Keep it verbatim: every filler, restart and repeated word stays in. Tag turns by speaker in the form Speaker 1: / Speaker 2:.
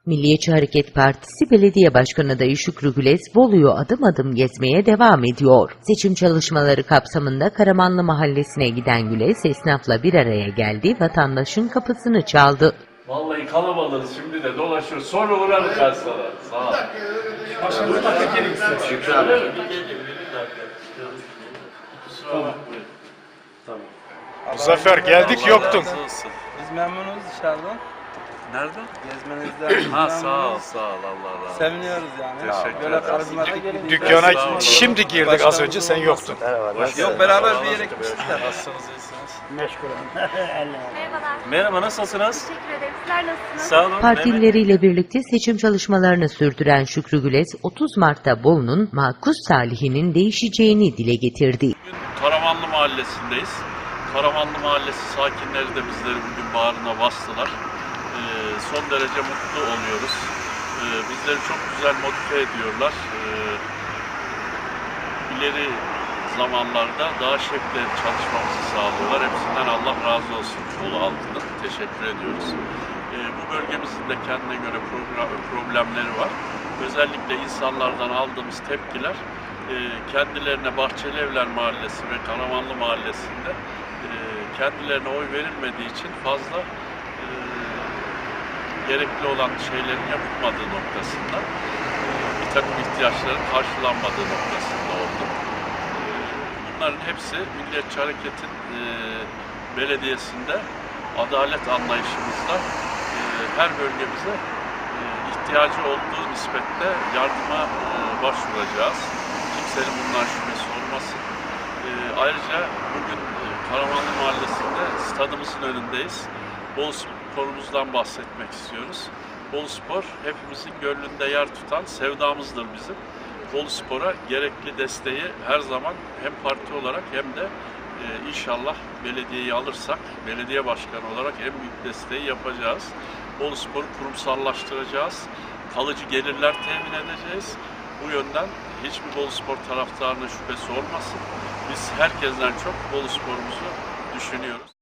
Speaker 1: Milliyetçi Hareket Partisi Belediye Başkanı adayı Şükrü Güles, Bolu'yu adım adım gezmeye devam ediyor. Seçim çalışmaları kapsamında Karamanlı Mahallesi'ne giden Güles, esnafla bir araya geldi, vatandaşın kapısını çaldı.
Speaker 2: Vallahi kalabalığız, şimdi de dolaşıyoruz. Sonra uğrarım ben sana. Sağ ol.
Speaker 3: Başkanım bakın gelin istedim.
Speaker 2: Şükrü abi. Bir gelin, bir dakika. Kusura bakmayın. Tamam.
Speaker 4: Muzaffer geldik
Speaker 2: Allah
Speaker 4: yoktun.
Speaker 2: razı olsun.
Speaker 3: Biz memnunuz dışarıdan.
Speaker 2: Nerede?
Speaker 3: Gezmenizden
Speaker 2: Ha sağ ol,
Speaker 3: memnunuz.
Speaker 2: sağ ol. Allah razı olsun.
Speaker 3: Seviniyoruz yani.
Speaker 2: Teşekkür
Speaker 3: Böyle
Speaker 2: ederim.
Speaker 3: karizmatik gelin.
Speaker 4: Dükkana
Speaker 2: Sağ olun.
Speaker 4: şimdi girdik, az önce sen yoktun.
Speaker 3: Yok beraber bir yere gitmişler.
Speaker 2: Nasılsınız, iyisiniz?
Speaker 5: Merhabalar.
Speaker 2: Merhaba, nasılsınız?
Speaker 5: Teşekkür ederim. Sizler nasılsınız?
Speaker 2: Sağ olun.
Speaker 1: Partileriyle birlikte seçim çalışmalarını sürdüren Şükrü Güles, otuz Mart'ta Bolu'nun makus talihinin değişeceğini dile getirdi.
Speaker 2: Bugün Karamanlı Mahallesi'ndeyiz. Karamanlı Mahallesi sakinleri de bizleri bugün bağrına bastılar. Ee, son derece mutlu oluyoruz. Ee, bizleri çok güzel motive ediyorlar. Ee, ileri zamanlarda daha şevkle çalışmamızı sağlıyorlar. Hepsinden Allah razı olsun. Bolu halkına teşekkür ediyoruz. Ee, bu bölgemizin de kendine göre problemleri var. Özellikle insanlardan aldığımız tepkiler e, kendilerine Bahçeli Evler Mahallesi ve Karamanlı Mahallesi'nde e, kendilerine oy verilmediği için fazla e, gerekli olan şeylerin yapılmadığı noktasında, e, bir takım ihtiyaçların karşılanmadığı noktasında oldu. E, bunların hepsi Milliyetçi Hareket'in e, belediyesinde adalet anlayışımızla e, her bölgemize e, ihtiyacı olduğu nispette yardıma e, başvuracağız. Kimsenin bundan şüphesi olmasın. E, ayrıca bugün e, Karamanlı Mahallesi'nde stadımızın önündeyiz. Bolu Spor'umuzdan bahsetmek istiyoruz. Bolu Spor hepimizin gönlünde yer tutan sevdamızdır bizim. Bolu Spor'a gerekli desteği her zaman hem parti olarak hem de e, inşallah belediyeyi alırsak belediye başkanı olarak en büyük desteği yapacağız. Bolu Spor'u kurumsallaştıracağız. Kalıcı gelirler temin edeceğiz. Bu yönden hiçbir Bolu Spor taraftarının şüphesi olmasın. Biz herkesten çok Bolu Spor'umuzu düşünüyoruz.